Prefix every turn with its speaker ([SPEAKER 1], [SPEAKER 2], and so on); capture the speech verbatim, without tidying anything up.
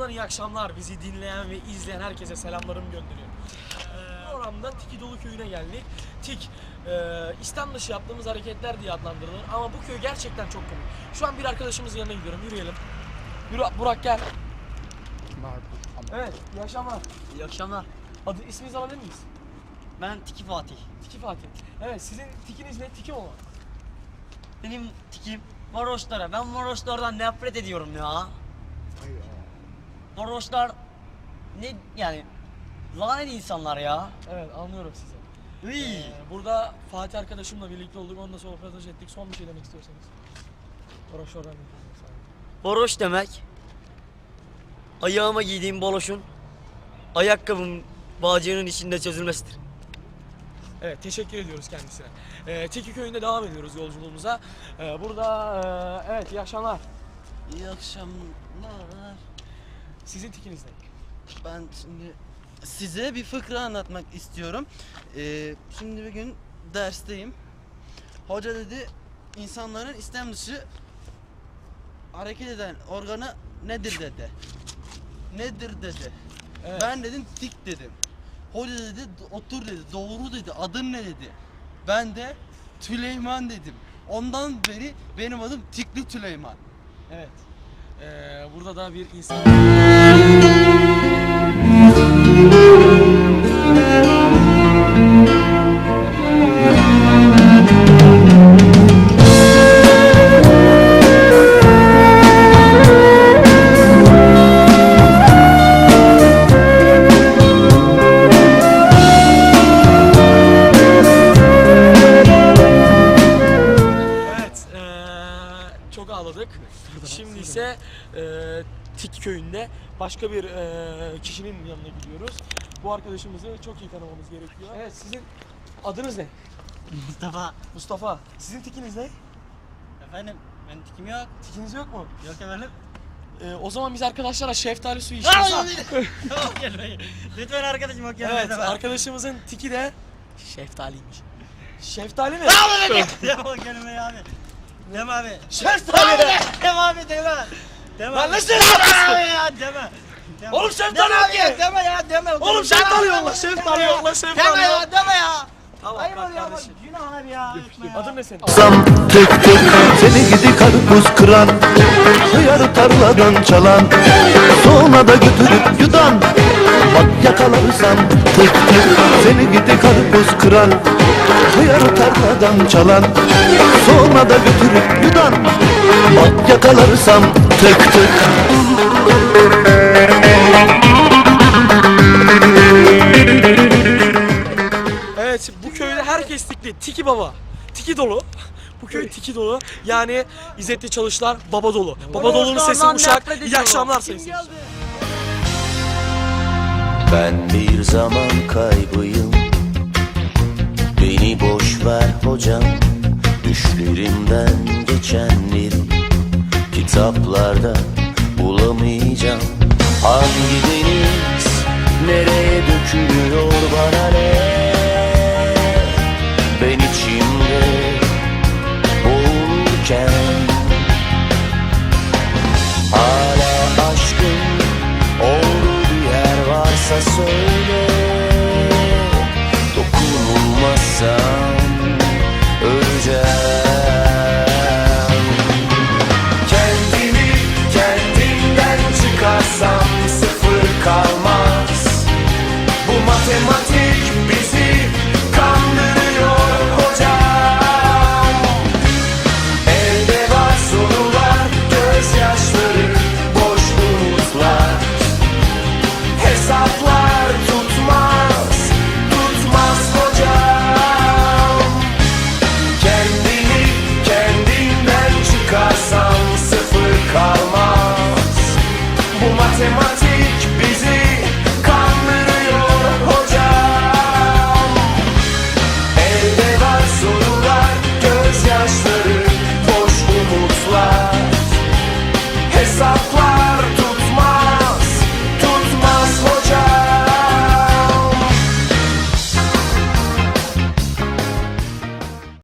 [SPEAKER 1] Tekrardan iyi akşamlar. Bizi dinleyen ve izleyen herkese selamlarımı gönderiyorum. Ee, Programda Tiki Dolu köyüne geldik. Tik, e, İslam dışı yaptığımız hareketler diye adlandırılır ama bu köy gerçekten çok komik. Şu an bir arkadaşımızın yanına gidiyorum. Yürüyelim. Yürü Burak, gel. Evet, iyi akşamlar.
[SPEAKER 2] İyi akşamlar.
[SPEAKER 1] Adı, isminizi alabilir miyiz?
[SPEAKER 2] Ben Tiki Fatih.
[SPEAKER 1] Tiki Fatih. Evet, sizin tikiniz ne? Tiki mi olan?
[SPEAKER 2] Benim tikim varoşlara. Ben varoşlardan nefret ediyorum ya. Varoşlar ne yani lanet insanlar ya.
[SPEAKER 1] Evet, anlıyorum sizi.
[SPEAKER 2] Iy.
[SPEAKER 1] Ee, burada Fatih arkadaşımla birlikte olduk. Onunla sohbet ettik. Son bir şey demek istiyorsanız. Varoşlardan ne diyorsunuz?
[SPEAKER 2] Varoş demek ayağıma giydiğim baloşun ayakkabım bağcığının içinde çözülmesidir.
[SPEAKER 1] Evet, teşekkür ediyoruz kendisine. Ee, Tiki köyünde devam ediyoruz yolculuğumuza. Ee, burada e, evet, iyi akşamlar.
[SPEAKER 3] İyi akşamlar.
[SPEAKER 1] Sizin tikiniz ne?
[SPEAKER 3] Ben şimdi size bir fıkra anlatmak istiyorum. Ee, şimdi bir gün dersteyim. Hoca dedi, insanların istem dışı hareket eden organı nedir dedi. Nedir dedi.
[SPEAKER 1] Evet.
[SPEAKER 3] Ben dedim tik dedim. Hoca dedi otur dedi, doğru dedi, adın ne dedi. Ben de Tüleyman dedim. Ondan beri benim adım Tikli Tüleyman.
[SPEAKER 1] Evet. Ee, burada da bir insan... Çok ağladık. Şimdi ise e, Tik köyünde başka bir e, kişinin yanına gidiyoruz. Bu arkadaşımızı çok iyi tanımamız gerekiyor. Evet, sizin adınız ne?
[SPEAKER 2] Mustafa.
[SPEAKER 1] Mustafa. Sizin tikiniz ne?
[SPEAKER 2] Efendim benim tikim yok.
[SPEAKER 1] Tikiniz yok mu?
[SPEAKER 2] Yok efendim.
[SPEAKER 1] E, o zaman biz arkadaşlara şeftali suyu içeceğiz.
[SPEAKER 2] Yok gelmeyin. Lütfen arkadaşım yok gelmeyin.
[SPEAKER 1] Evet, arkadaşımızın tiki de şeftaliymiş. Şeftali mi?
[SPEAKER 2] Yok gelmeyin abi. Deme abi.
[SPEAKER 1] Şeftali de!
[SPEAKER 2] Deme abi deme. Deme.
[SPEAKER 1] Lan ne
[SPEAKER 2] Deme
[SPEAKER 1] şeftali?
[SPEAKER 2] abi ya deme. Deme.
[SPEAKER 1] Oğlum şeftali
[SPEAKER 2] Deme
[SPEAKER 1] yok
[SPEAKER 2] abi
[SPEAKER 1] ki.
[SPEAKER 2] ya, Deme ya deme.
[SPEAKER 1] Oğlum şeftali yolla, şeftali yolla, şeftali
[SPEAKER 2] Deme
[SPEAKER 1] yolla.
[SPEAKER 2] ya deme ya.
[SPEAKER 1] Tamam,
[SPEAKER 2] Hayır
[SPEAKER 1] bak
[SPEAKER 2] oluyor ama
[SPEAKER 1] kardeşim.
[SPEAKER 2] günah abi ya. Etme ya.
[SPEAKER 1] Adın ne senin?
[SPEAKER 4] Sam tık tık seni gidi karpuz kıran, hıyarı tarladan çalan, sonra da götürüp yudan. Bak yakalarsam tık tık seni gidi karpuz kıran, hıyarı tarladan çalan, sonra da götürüp yudan. Bak yakalarsam tık tık.
[SPEAKER 1] Evet, bu köyde herkes tikli. Tiki baba. Tiki dolu. Bu köy tiki dolu. Yani İzzetli Çalışlar baba dolu. Baba dolunun sesi Uşak. İyi akşamlar sayın seyirciler.
[SPEAKER 4] Ben bir zaman kaybıyım, beni boş ver hocam. Düşlerimden geçenleri kitaplarda bulamayacağım. Hangi deniz nereye dökülüyor bana ne? Ben içimde boğulurken hala aşkın olduğu bir yer varsa söyle.